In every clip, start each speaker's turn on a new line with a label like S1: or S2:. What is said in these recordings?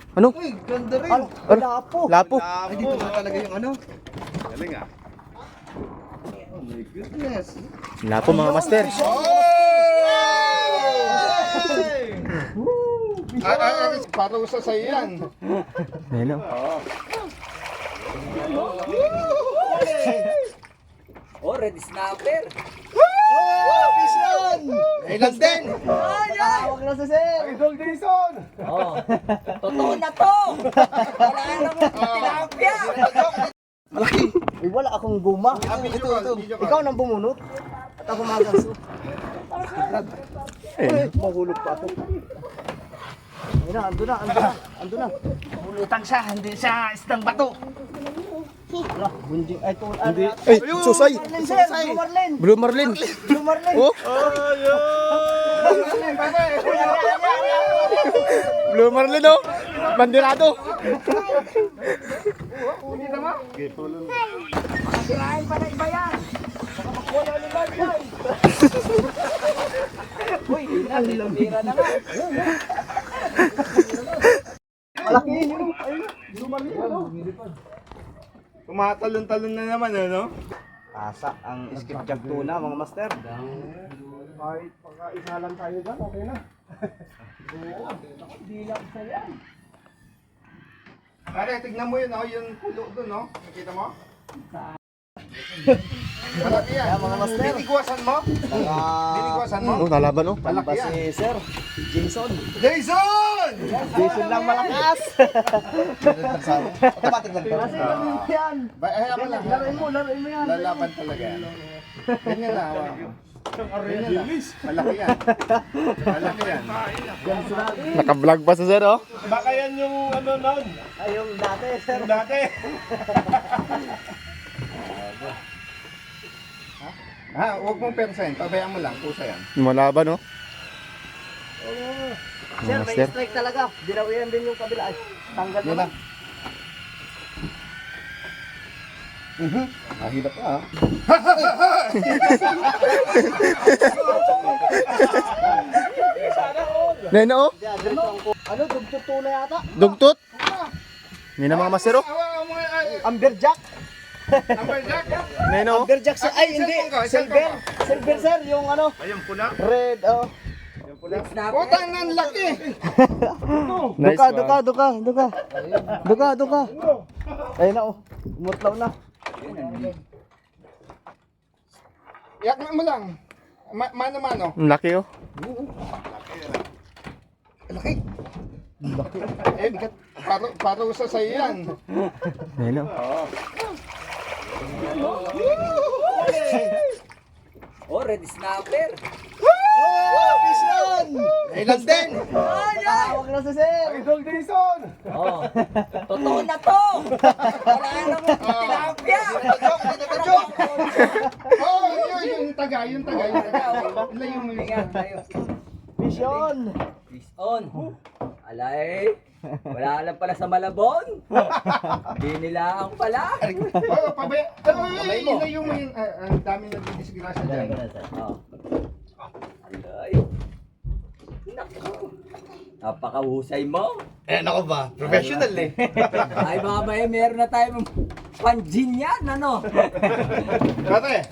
S1: Ano?
S2: Uy, ganda rin.
S1: Lapo. Lapo.
S2: Ay, dito na talaga yung ano.
S3: Galing ah.
S2: Oh my goodness.
S1: Lapo mga master.
S3: Parusa sa yan.
S1: Ayun o.
S4: Oh, red snapper.
S2: Vision! Ilan din?
S4: Tawag na sa sir.
S3: Idol Jason!
S4: Oh, totoo na to. Wala nang tilapia.
S2: Malaki.
S5: Ay, wala akong guma.
S2: Ito.
S5: Ikaw nang bumunot. At ako magaso. Ay, mahulog pa ako. Ayun na, ando na.
S4: Bulutan siya, hindi siya isdang bato.
S5: Wala, bunjing. Ay, ito.
S1: Ay, susay.
S5: Marlin, sir. Blue Marlin.
S1: Blue Marlin.
S5: Blue Marlin.
S1: Oh. Blue Marlin oh. Bandirado.
S4: Makasirahin pa na iba yan. Baka makuha ulit yan. Uy, tira na nga.
S5: Malaki yun. Ayun, Blue Marlin.
S3: Tumatalon-talon na naman ano?
S5: Asa ang skipjack tuna, mga master.
S3: Kahit pagkaisa lang tayo dyan, okay na.
S4: Hindi lang sa yan.
S3: Pare, tignan mo yun oh, yung pulo doon no? Nakita mo? Malaki yan.
S5: Mga master.
S3: Binigwasan mo? Binigwasan mo?
S1: Oh, nalaban oh.
S3: Malaki
S5: Ba
S3: yan.
S5: si Sir Jason.
S3: Jason!
S5: Jason lang malakas.
S2: Automatic lang to.
S5: Kasi ganun yan.
S3: Hayaan mo lang.
S5: Laruin mo yan.
S3: Lalaban talaga yan. Ganyan na. Ganyan lang. Malaki yan. Malaki yan.
S1: Naka-vlog pa sa sir oh.
S3: Baka yan yung ano nun.
S5: Ay, yung dati, Sir.
S3: Yung dati. Huwag mong percent. Pabayaan mo lang. Pusa yan.
S1: Lumalaban oh.
S5: Sir, may
S1: Master.
S5: strike talaga. Dinawian din yung kabila. Ay, tanggal
S3: Yan
S5: na.
S3: lang. Hirap ka ah.
S1: Ngayon oh.
S5: Ano, dugtog tuna yata?
S1: Dugtot. Ngayon na mga master oh.
S5: Amberjack.
S3: Amberjack.
S1: Ngayon oh.
S5: Amberjack sa, ay hindi, silver. Silver, sir, yung ano,
S3: Ayun pula.
S5: red, oh.
S4: Red snapper.
S3: Putang nan laki.
S1: Nice one.
S5: Duka. Ayun na, oh. Umutlaw na.
S3: Yak mo lang. Mano-mano.
S1: Ang laki oh.
S3: Laki. Bigat. Parusa sa yan.
S1: Ngayon oh.
S4: Oh, red snapper.
S2: Vision! Ilan din?
S5: Tawag na sa sir.
S3: Idol Jason!
S4: Oh, totoo na to. Wala nang tilapia.
S3: Oh, yung taga. Layo mo yun.
S4: Ingat tayo.
S5: Vision.
S4: Fish on. Alay. Wala lang pala sa Malabon. Hindi nilaang pala.
S3: Oh, ilayo mo yun. Ang dami nagdidisgrasya dyan.
S4: Oh. Alay. Naku. Napakahusay mo.
S2: Nako ba? Professional eh.
S4: Ay baka ba meron na tayong panjin yan, ano?
S3: Pare,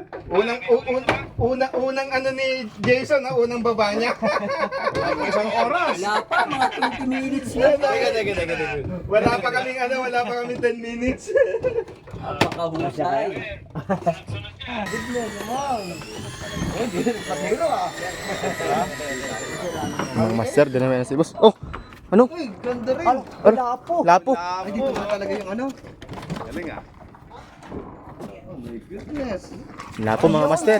S3: unang ano ni Jason, unang baba niya. Isang oras.
S4: Wala pa, mga 20 minutes lang.
S3: Wala pa kaming 10 minutes.
S4: Napakahusay.
S1: Mga master, din naman si boss. Oh, ano?
S2: Uy, ganda rin.
S5: Lapo.
S1: Lapo.
S2: Ay, dito na talaga yung ano.
S3: Galing ah.
S2: Oh my goodness.
S1: Lapo mga master.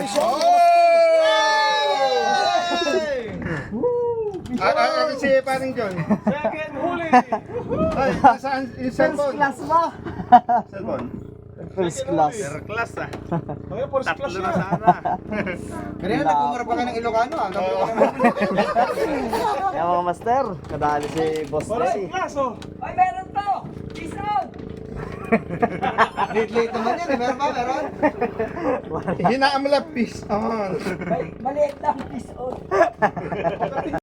S3: Si paring John. Second huli. Ay, nasaan yung
S5: First
S3: cellphone?
S5: class ba?
S3: Cellphone.
S5: First class.
S3: Class ah. Tatlo na sana.
S2: Kanina nagkumarap ka ng Ilocano ah.
S5: Kaya mga master, kadali si Boss Desi.
S4: Ay, meron to! Jason!
S2: Late naman yan eh. Meron ba? Meron?
S3: Hinaan mo lang, peace on.
S4: Maliit lang, fish on.